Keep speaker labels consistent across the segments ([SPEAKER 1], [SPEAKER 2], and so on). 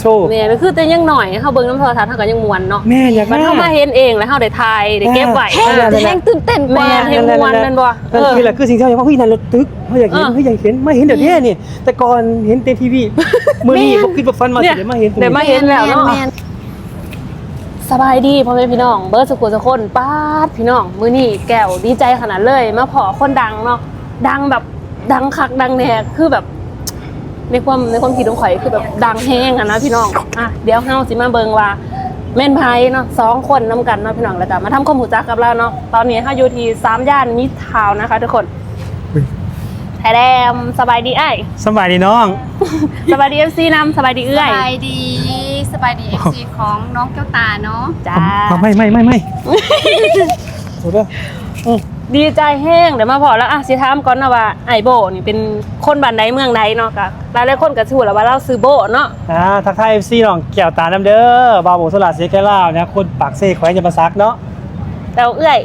[SPEAKER 1] โชว์
[SPEAKER 2] แม่ก็คือแต่ยังหน่อยเฮาเบิ่งน้ำโทรทัศน์เฮาก็ยังม่วนเนาะ
[SPEAKER 1] แม่อยาก
[SPEAKER 2] มันเฮามาเห็นเองแล้วเฮาได้ถ่ายได้เก็บไว้
[SPEAKER 3] แห้งตื่นเต้นกว่า
[SPEAKER 2] แม่เห็นม่วนแม่นบ่
[SPEAKER 1] คือแหละคือสิ่งที่เราอยากว่าพี่นันรถตึกเขาอยากเห็นเขาอยากเห็นไม่เห็นเดี๋ยวนี้นี่แต่ก่อนเห็นเต็มทีวีมื้อนี้บ่คิดว่าฟันมาสิได้มาเห็น
[SPEAKER 2] ได้มาเห็นแล้วเนาะ
[SPEAKER 3] แม่น
[SPEAKER 2] สบายดีพ่อแม่พี่น้องเบิร์ดสุขุมสุคนป้าดพี่น้องมื้อนี้แก้วดีใจขนาดเลยมาพอคนดังเนาะดังแบบดังคักดังแน่คือแบบในความคิดของข่อยคือแบบดังแห้งอะนะพี่น้องอ่ะเดี๋ยวเฮาสิมาเบิ่งว่าแม่นไผเนาะ2คนนํกันเนาะพี่น้องแล้วก็มาทำความรู้จักกับเราเนาะตอนนี้เฮาอยู่ที่3ย่านมิตรทาวน์นะคะทุกคนไทยแลนด์สบายดีอ้าย
[SPEAKER 1] สบายดีน้อง
[SPEAKER 2] สบายดี FC นำสบายดีเอื้อย
[SPEAKER 3] สบายดี FC ของน้องแก้วตาเนาะ
[SPEAKER 2] จ้า
[SPEAKER 1] ไม่โอ้เด้อ
[SPEAKER 2] ดีใจแห้งเดี๋ยวมาพอแล้วอ่ะสิถามก่อนนะว่าไอโบนี่เป็นคนบ้านใดเมืองใดเนาะก็หลายๆคนก็ชื่อแล้วว่าเราซื้อโบเนาะ
[SPEAKER 1] ทักทาย FC น้องแก้วตาน้ำเด้อบาวโบสลัดเสียแค่ลาวเนี่ยคนปากเซ่แขวงยมซักเนาะ
[SPEAKER 2] แต่เอื้อย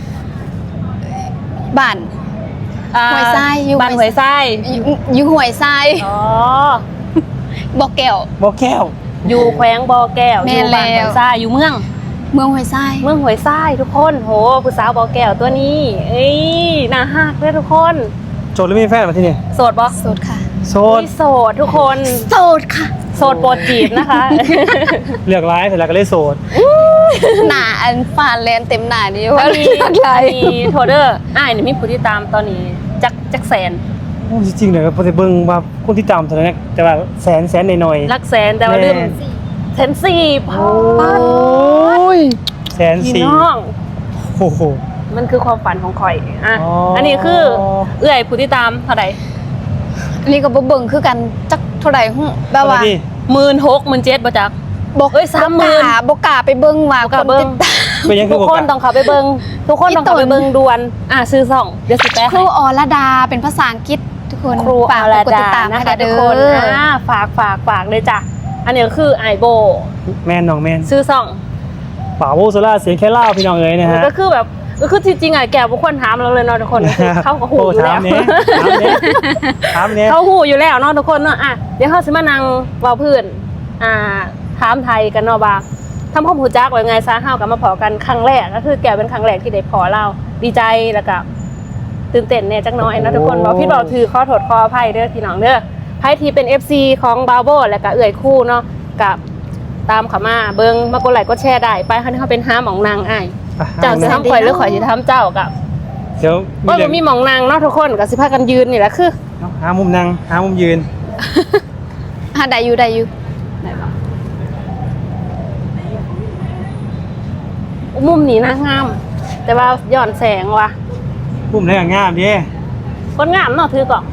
[SPEAKER 3] บ้าน ห้วยทรายอยู่
[SPEAKER 2] บ้านห้วยทราย
[SPEAKER 3] อยู่ห้วยทราย
[SPEAKER 2] อ๋อ
[SPEAKER 3] บอกแก้ว
[SPEAKER 1] บ่แก้ว
[SPEAKER 2] อยู่แขวงบ่อแก้ว
[SPEAKER 3] แม่
[SPEAKER 2] อยู่บ้าน
[SPEAKER 3] แล้
[SPEAKER 2] ห้วยว ทรายอยู่เมือง
[SPEAKER 3] ห้วยทราย
[SPEAKER 2] เมืองห้วยทรายทุกคนโหผู้สาวบ่อแก้วตัวนี้เอ้ยน่าฮักเลยทุกคน
[SPEAKER 1] โจทย์หรือมีแฟนมาที่นี่
[SPEAKER 2] โสดบ่
[SPEAKER 3] โสดค่ะ
[SPEAKER 1] โสด
[SPEAKER 2] โสดทุกคน
[SPEAKER 3] โสดค่ะ
[SPEAKER 2] โสดโปรดจีบนะคะ
[SPEAKER 1] เลือกร้ายเสร็จแล้วก็เลยโสด
[SPEAKER 3] หน้าอันฟานแลนเต็มหน้านี่
[SPEAKER 2] อั
[SPEAKER 3] ว่าน
[SPEAKER 2] นี้
[SPEAKER 3] เลือกไร
[SPEAKER 2] มีโทเดอร์อ้ายนี่มีผู้ที่ตามตอนนี้จักแสน
[SPEAKER 1] โอ้จริงๆเลยพอจะเบิ่งว่าคนที่ตามเท่านั้นแต่ว่าแสนหน่อยๆ
[SPEAKER 2] ลักแสนแต่ว่าเรื่องแสนสี่พัน
[SPEAKER 1] ยแสน
[SPEAKER 2] พี่
[SPEAKER 1] สี่
[SPEAKER 2] น้อง
[SPEAKER 1] โอ้โห
[SPEAKER 2] มันคือความฝันของข่อยอ่ะ
[SPEAKER 1] อ๋ออั
[SPEAKER 2] อันนี้คือเอื้อยผู้ที่ตามเท่าไหร่
[SPEAKER 3] อันนี้ก็บ่เบิ่งคือกันจักเท่าไหร่ฮู้แบบว่า
[SPEAKER 2] 16,000 17,000บ่จัก
[SPEAKER 3] บอก
[SPEAKER 2] เอ้ย30,000
[SPEAKER 3] บ่กล้าไปเบิ่งว่า
[SPEAKER 2] บ่กล้าเบิ่ง
[SPEAKER 3] คนติดตาม
[SPEAKER 1] เป็นยังคื
[SPEAKER 2] ทุ
[SPEAKER 1] อก บอก
[SPEAKER 2] คน
[SPEAKER 1] กัน
[SPEAKER 2] ต้องเข้าไปเบิ่งทุกคนต้องเข้าไปเบิ่งด่วนซื้อซ่องเดี๋ยวสิแปะ
[SPEAKER 3] ครูอรดาเป็นภาษาอังกฤษทุกคน
[SPEAKER 2] ครู
[SPEAKER 3] ฝาก
[SPEAKER 2] อาร
[SPEAKER 3] กด
[SPEAKER 2] ดา
[SPEAKER 3] ติดตาม
[SPEAKER 2] นะ
[SPEAKER 3] ให้
[SPEAKER 2] คะ
[SPEAKER 3] เด้
[SPEAKER 2] ทุ
[SPEAKER 3] อก
[SPEAKER 2] คนฝากเลยจ้ะอันนี้ก็คือไอโบ
[SPEAKER 1] แมนน้องแมน
[SPEAKER 2] ซื้อซ่อง
[SPEAKER 1] ป่าโวโซล่าเสียงแค่เล่าพี่น้องเอ๋ยนะฮะ
[SPEAKER 2] ก็คือแบบก็คือจริงๆแกบุคคลถามเราเลยเนาะทุกคนเขาก็หูอยู่แล้ว
[SPEAKER 1] ถามเนี้ย
[SPEAKER 2] เขาหูอยู่แล้วเนาะทุกคนเนาะอ่ะเดี๋ยวเขาสิมานั่งเว้าพื้นถามไทยกันเนาะว่าทำความรู้จักไว้ไงซะเฮากับมาพอกันครั้งแรกก็คือแกเป็นครั้งแรกที่ได้พอเราดีใจแล้วก็ตื่นเต้นเนี่ยจักหน้อยนะทุกคนบอกพี่บอกถือขอโทษขออภัยเด้อพี่น้องเด้อไพ่ที่เป็น FC ของบาโบแล้วก็เอื่อยคู่เนาะกับตามเขามาเบิ่งมากดไลค์กดแชร์ได้ไปคันเขาเป็น5หม่องนางอ้ายเจ้าสิทำข่อยหรือข่อยสิทำเจ้ากับ
[SPEAKER 1] เดี๋ยว
[SPEAKER 2] ว่ามันมีหมองนางเนาะทุกคนก็สิพากันยืนนี่แหละคือ
[SPEAKER 1] หามุมนั่งหามุมยืน
[SPEAKER 3] ได้อยู่ได้อยู่
[SPEAKER 2] มุมนี้นะงาม แต่ว่าย้อนแสงว่ะ
[SPEAKER 1] มุมไหนก็งามดิ
[SPEAKER 2] คนงามเนาะถือกล่อง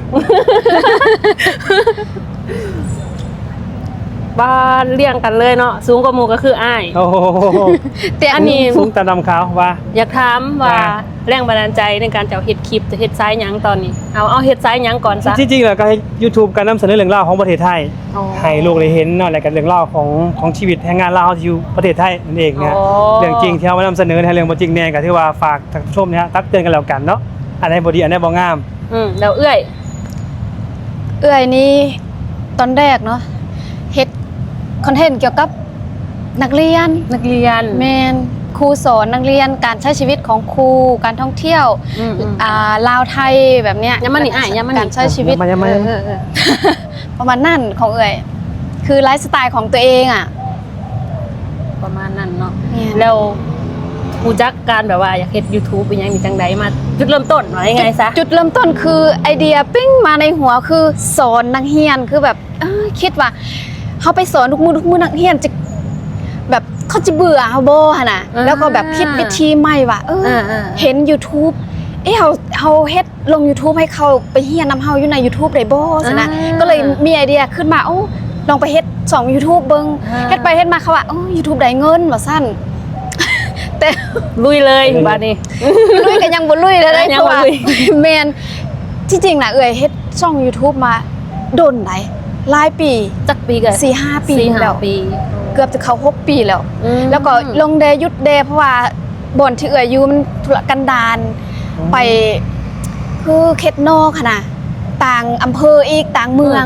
[SPEAKER 2] บ้านเลี้ยงกันเลยเนาะสูงกว่าหมู่ก็คืออ้าย
[SPEAKER 1] โอ้โห
[SPEAKER 3] แต่
[SPEAKER 2] อันนี้
[SPEAKER 1] สูงตาดำขาวว่า
[SPEAKER 2] อยากถามว่า
[SPEAKER 1] ว่า
[SPEAKER 2] แรงบันดาลใจในการจะเฮ็ดคลิปจะเฮ็ดไซส์หยังตอนนี้เอาเฮ็ดไซส์หยังก่อนซะ
[SPEAKER 1] จริงๆแล้วก็ให้ YouTube การนำเสนอเรื่องราวของประเทศไทย
[SPEAKER 2] อ๋อ
[SPEAKER 1] ให้โลกได้เห็นเนาะและกันเรื่องราวของชีวิตแรงงานลาวที่อยู่ประเทศไทยนั่นเองนะ
[SPEAKER 2] อ๋อ
[SPEAKER 1] เรื่องจริงที่เรามานำเสนอในเรื่องบ่จริงแน่ก็ถือว่าฝากท่านผู้ชมเนี่ยตักเตือนกันแล้วกันเนาะอันไหนบ่ดีอันไหนบ่งาม
[SPEAKER 2] แล้วเอื้อย
[SPEAKER 3] เอื้อยนี่ตอนแรกเนาะเฮ็ดคอนเทนต์เกี่ยวกับนักเรียน แมนครูสอนนักเรียนการใช้ชีวิตของครูการท่องเที่ยว ลาวไทยแบบเนี้ย
[SPEAKER 2] ยังมันนี่อ้ายยังมันนี่
[SPEAKER 3] การใช้ชีวิต
[SPEAKER 1] ยังมา
[SPEAKER 3] ประมาณนั่นของเอ่ยคือไลฟ์สไตล์ของตัวเองอ่ะ
[SPEAKER 2] ประมาณนั้นเนาะ
[SPEAKER 3] เนี่ย
[SPEAKER 2] แล้วรู้จักการแบบว่าอยากเฮ็ด YouTube เป็นหยังมีจังใดมาจุดเริ่มต้นว่ายังไงซะ
[SPEAKER 3] จุดเริ่มต้นคือไอเดียปิ้งมาในหัวคือสอนนักเรียนคือแบบคิดว่าเขาไปสอนทุกมือนักเรียนจะแบบเขาจะเบื่อเขาโบฮะนะแล้วก็แบบคิดวิธีใหม่ว่าเห็น YouTube เขาเฮ็ดลง YouTube ให้เขาไปเฮียนำเฮาอยู่ใน YouTube ได้บ่ซะนะก็เลยมีไอเดียขึ้นมาลองไปเฮ็ด2 YouTube เบิ่งเฮ็ดไปเฮ็ดมาเขาว่าYouTube ได้เงินว่าซั่นแต่
[SPEAKER 2] ลุยเลยบัดนี้
[SPEAKER 3] ลุยกันยังบ่ลุยเลยได้
[SPEAKER 2] ยั
[SPEAKER 3] เพ
[SPEAKER 2] ง
[SPEAKER 3] ราะ
[SPEAKER 2] บ่
[SPEAKER 3] ว่า
[SPEAKER 2] ลุย
[SPEAKER 3] แม่นที่จริงน่ะเฮ็ดช่อง YouTube มาโดนได้หลายปี
[SPEAKER 2] จักปีกัน
[SPEAKER 3] 4-5 ปี
[SPEAKER 2] 4-5
[SPEAKER 3] แล้ว
[SPEAKER 2] ปี
[SPEAKER 3] เกือบจะเข้า6 ปีแล้ว แล้วก็ลงเดยุดเดเพราะว่าบ่อนที่อยู่มันธุรกันดารไปคือเขตนอกค่ะนะต่างอำเภออีกต่างเมือง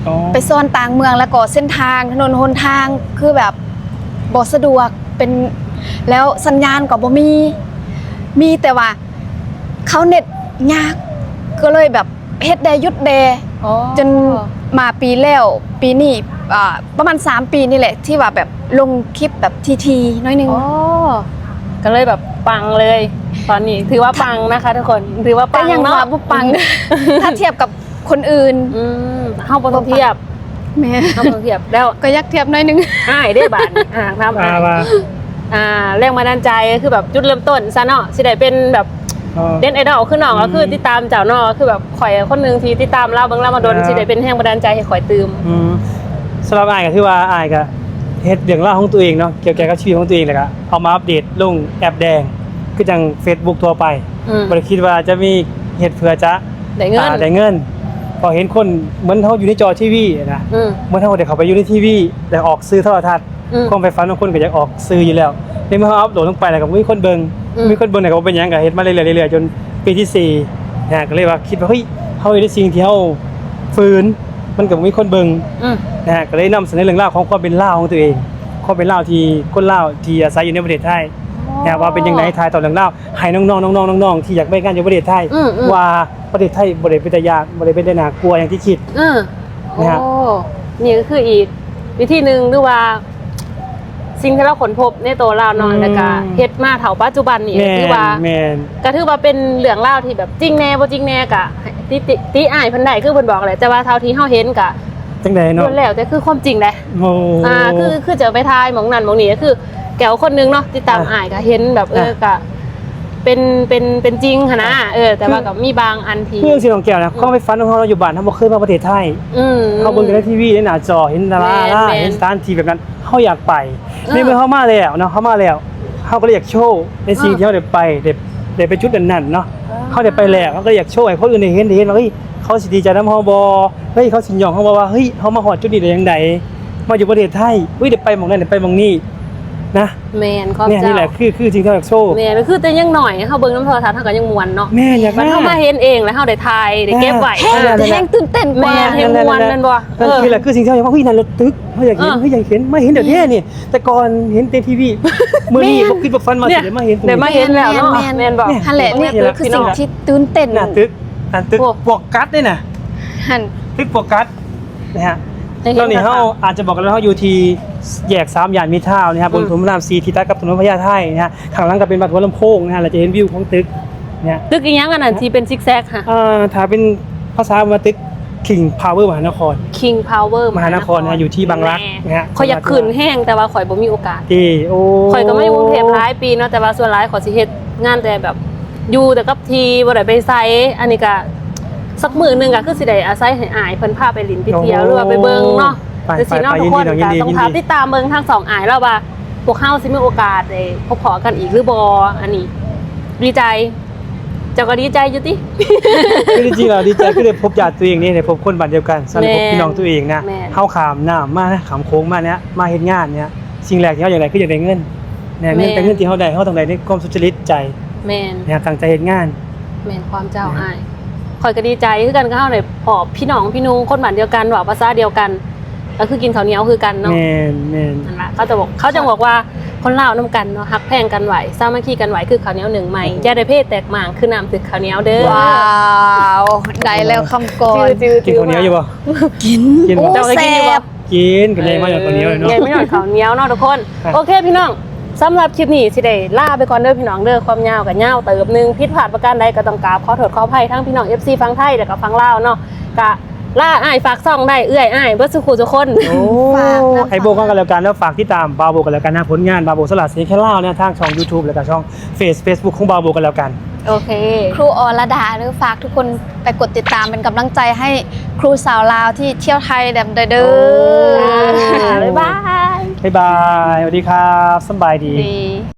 [SPEAKER 1] อ๋อ
[SPEAKER 3] ไปซ่อนต่างเมืองแล้วก็เส้นทางถนนหนทางคือแบบบ่สะดวกเป็นแล้วสัญญาณก็บ่มีแต่ว่าเขาเน็ตยากก็เลยแบบเฮ็ดได้หยุดแดจนมาปีแล้วปีนี้ประมาณ3 ปีนี่แหละที่ว่าแบบลงคลิปแบบทีน้อยนึง
[SPEAKER 2] อ๋อก็เลยแบบปังเลย ตอนนี้ถือว่าปังนะคะทุกคนถือว่าปั
[SPEAKER 3] แต่
[SPEAKER 2] ง
[SPEAKER 3] ยัง
[SPEAKER 2] เนาะ
[SPEAKER 3] ว่าบ่ปัง ถ้าเทียบกับคนอื่น
[SPEAKER 2] เฮาบ่ต้องเทียบ
[SPEAKER 3] แม่
[SPEAKER 2] เฮาบ่ต้องเทียบแล้ว
[SPEAKER 3] ก็อยากเทียบน้อยนึง
[SPEAKER 2] อ้ายได้บาดนี่ทำอ้าย
[SPEAKER 1] ว่า
[SPEAKER 2] แรงบันดาลใจคือแบบจุดเริ่มต้นซะเนาะสิได้เป็นแบบเด่นไอดอลคือน้องก็คือติดตามเจ้าเนาะคือแบบข่อยคนหนึงที่ติดตามเราเบิ่งเรามาโดนสิได้เป็นแรงบันดาลใจให้ข่อยตื่ม
[SPEAKER 1] สำหรับอายก็ที่ว่าอายก็เฮ็ดเรื่องราวของตัวเองเนาะเกี่ยวกับชีวิตของตัวเองแล้วก็เอามาอัปเดตลงแอปแดงคือจัง Facebook ทั่วไปบ่ได้คิดว่าจะมีเฮ็ดเพื่อจะ
[SPEAKER 2] ได้เงิน
[SPEAKER 1] ได้เงินพอเห็นคนเหมือนเฮาอยู่ในจอทีวีนะ เมื่อเฮาได้เข้าไปอยู่ในทีวีได้ออกสื่อโทรทัศน์ความไฟฝันของคนก็อยากออกสื่ออยู่แล้วในเมื่อเฮาอัปโหลดลงไปแล้วก็มีคนเบิ่งมีคนเบิ่งแล้วก็บ่เป็นหยังก็เฮ็ดมาเรื่อยๆจนปีที่4นะก็เลยว่าคิดว่าเฮ้ยเฮาเฮ็ดได้สิ่งที่เฮาฝืนมันก็บ่มีคนเบิ่ง นะฮะก็เลยนำเสนอเรื่องราวของความเป็นลาวของตัวเองความเป็นลาวที่คนลาวที่อาศัยอยู่ในประเทศไทยนะว่าเป็นยังไงทายต่อเรื่องราวให้น้องๆน้องๆที่อยากไปงานอยู่ประเทศไทยว่าประเทศไทยบ่ได้เป็นตาญาติบ่ได้เป็นได้น่ากลัวอย่างที่คิด
[SPEAKER 2] โอ้นี่ก็คืออีกวิธีหนึ่งหรือว่า สิ่งที่เราค้นพบในตัวเราเนาะแล้วก็เฮ็ดมาเท่าปัจจุบันนี่คือว่า
[SPEAKER 1] แม่น
[SPEAKER 2] ก็ถือว่าเป็นเรื่องเล่าวที่แบบจริงแน่บ่จริงแน่กะติอ้ายเพิ่นได้คือเพิ่นบอกแหละแต่ว่าเท่าที่เฮาเห็นกะ
[SPEAKER 1] จังได๋เนาะ
[SPEAKER 2] ล้วนแล้วแต่คือความจริงแหละ
[SPEAKER 1] โอ้
[SPEAKER 2] คือจะไปทายหมองนั่นหมองนี่ก็คือแก้วคนนึงเนาะติดตามอ้ายก็เห็นแบบก็เป็นจริงหั่นนะแต่ว่าก็มีบางอันที่
[SPEAKER 1] คือสิน้องแก้วนะความไปฝันของเราอยู่บ้านเฮาบ่เคยมาประเทศไทยเฮาเบิ่งแต่ในทีวีในหน้าจอเห็นดาราเห็นสถานที่แบบนั้นเฮาอยากไปในเมื่อเฮามาแล้วเนาะเฮามาแล้วเฮาก็เลยอยากโชว์ในสิ่งที่เฮาได้ไปได้ไปจุดนั้นๆเนาะเฮาได้ไปแล้วเฮาก็เลยอยากโชว์ให้คนอื่นได้เห็นว่าเฮ้ยเขาสิดีใจนำเฮาบ่เฮ้ยเขาสิยอมเฮาบ่ว่าเฮ้ยเฮามาฮอดจุดนี้ได้จังไดมาอยู่ประเทศไทยเฮ้ยได้ไปหม้องนั้นได้ไปหม้องนี้นะ
[SPEAKER 2] แม่นความ
[SPEAKER 1] เนี่ย
[SPEAKER 2] เจ้า
[SPEAKER 1] นี่แหละคือจริงที่เราอยากโชว์
[SPEAKER 2] แม่นคือแต่ยังหน่อยเฮาเบิ่งน้ำโทรทัศน์เฮาก็ยังม่วนเนาะ
[SPEAKER 1] แม่อยาก
[SPEAKER 2] มันเฮามาเห็นเองแล้วเฮาได้ถ่ายได้เก็บไว้
[SPEAKER 3] แห้งตื่นเต้นกว่า
[SPEAKER 2] แม่แห่งม่วนแม่นบ่
[SPEAKER 1] นั่นคือแหละคือสิ่งที่เราอยากว่าเฮ้ยนั่นรถตึกเฮาอยากเห็นเฮ้ยอยากเห็นมาเห็นเดี๋ยวนี้นี่แต่ก่อนเห็นในทีวีมื้อนี้บ่คิดบ่ฝันมาสิได้มาเห็น
[SPEAKER 2] ได้มาเห็นแล้วเนาะแม่นบ่
[SPEAKER 3] นั่นแหละนี่คือสิ่งที่ตื่นเต้น
[SPEAKER 1] น่ะตึกปวกกัดด้วยน่ะ
[SPEAKER 3] หั่น
[SPEAKER 1] ตึกปวกกัดนะฮะตอนนี้เฮาอาจจะบอกกันแล้วเฮาอยู่ที่แยก3ย่านมิตรทาวน์นะฮะบนถนนพระราม4ที่ตัดกับถนนพญาไทนะฮะข้างหลังก็เป็นวัดหัวลำโพงนะฮะเราจะเห็นวิวของตึกเนี่ย
[SPEAKER 2] ตึกอีหยังอันนั้นที่เป็นซิกแซกค่ะ
[SPEAKER 1] ถ้าเป็นภาษามาตึก King Power มหานคร
[SPEAKER 2] King Power
[SPEAKER 1] มหานครนะฮะอยู่ที่บางรักนะฮะ
[SPEAKER 2] ข่อยอยากขึ้นแห้งแต่ว่าข่อยบ่มีโอกาส
[SPEAKER 1] โอ้
[SPEAKER 2] ข่อยก็ไม่อยู่กรุงเทพหลายปีเนาะแต่ว่าส่วนหลายข่อยสิเฮ็ดงานแต่แบบอยู่แต่กับทีบ่ได้ไปไสอันนี้ก็สักมื้อหนึงก็คือสิได้อาศัยให้อ้ายเพิ่นพาไปลินไปเที่ยวหรือว่าไปเบิ่งเนาะแต่สิเนาะทุกคนก็ต้องพาติดตามเบิ่งทั้งสองอ้ายแล้วว่าพวกเฮาสิมีโอกาสได้พบกันอีกหรือบ่อันนี้ดีใจเจ้าก็ดีใจอยู่ติ
[SPEAKER 1] คือจริงๆเราดีใจคือได้พบญาติตัวเองนี่ได้พบคนบ้านเดียวกันสนิทพบพี่น้องตัวเองนะเฮาขามน้ำมานะขามโค้งมาเนี่ยมาเฮ็ดงานเนี่ยสิ่งแรกที่เฮาอยากได้คืออยากได้เงินเนี่ยเงินแต่เงินที่เฮาได้เฮาต้องได้ในความสุจริตใจ
[SPEAKER 2] แม่น
[SPEAKER 1] เนี่ยตั้งใจเฮ็ดงาน
[SPEAKER 2] แม่นความเจ้าอ้ายข่อยก็ดีใจคือกันก็เฮาได้พบพี่น้องพี่นุ่งคนบ้านเดียวกันเว้าภาษาเดียวกันก็คือกินข้าวเหนียวคือกันเนาะ
[SPEAKER 1] แม่นแม่น
[SPEAKER 2] นั่นล่ะเขาจะบอกว่าคนลาวนำกันเนาะฮักแพงกันไหวสามัคคีกันไหวคือข้าวเหนียวหนึ่งใหม่อย่าได้เพศแตกหม่างคือน้ำตึกข้าวเหนียวเด้อ
[SPEAKER 3] ว้าวได้แล้วคำก่อน
[SPEAKER 1] กินข้าวเหนียวอยู่บ่
[SPEAKER 3] กิน
[SPEAKER 1] กินบ่
[SPEAKER 2] เจ้าเคยกินอยู่บ่
[SPEAKER 1] กินกันเลยมาจากข้าวเหนียวเลยเนาะ
[SPEAKER 2] ไงไม่หน่อยข้าวเหนียวเนาะทุกคน
[SPEAKER 1] ครับ
[SPEAKER 2] โอเคพี่น้องสำหรับคลิปนี้สิได้ลาไปก่อนเด้อพี่น้องเด้อความยาวกับยาวเติบนึงผิดพลาดประการใดก็ต้องกราบขอโทษขออภัยทั้งพี่น้อง FC ฟังไทยแล้วก็ฟังลาวเนาะกะล่าอ้ายฝากซ่องได้เอื้อยอ้ายเบิดสุขุทุกคน
[SPEAKER 1] โอ้ไอโบกันแล้วกันแล้วฝากที่ตามบาโบกันแล้วกันนะผลงานบาโบสลัดเซแค่เล่าเนี่ยทางช่อง YouTube แล้วก็ช่อง Facebook ของบาโบกันแล้วกัน
[SPEAKER 2] โอเค
[SPEAKER 3] ครูอรดาหรือฝากทุกคนไปกดติดตามเป็นกำลังใจให้ครูสาวลาวที่เที่ยวไทยแบบเด้อ
[SPEAKER 2] บ๊ายบาย
[SPEAKER 1] บ๊ายบายสวัสดีครับสบายดี
[SPEAKER 3] ดี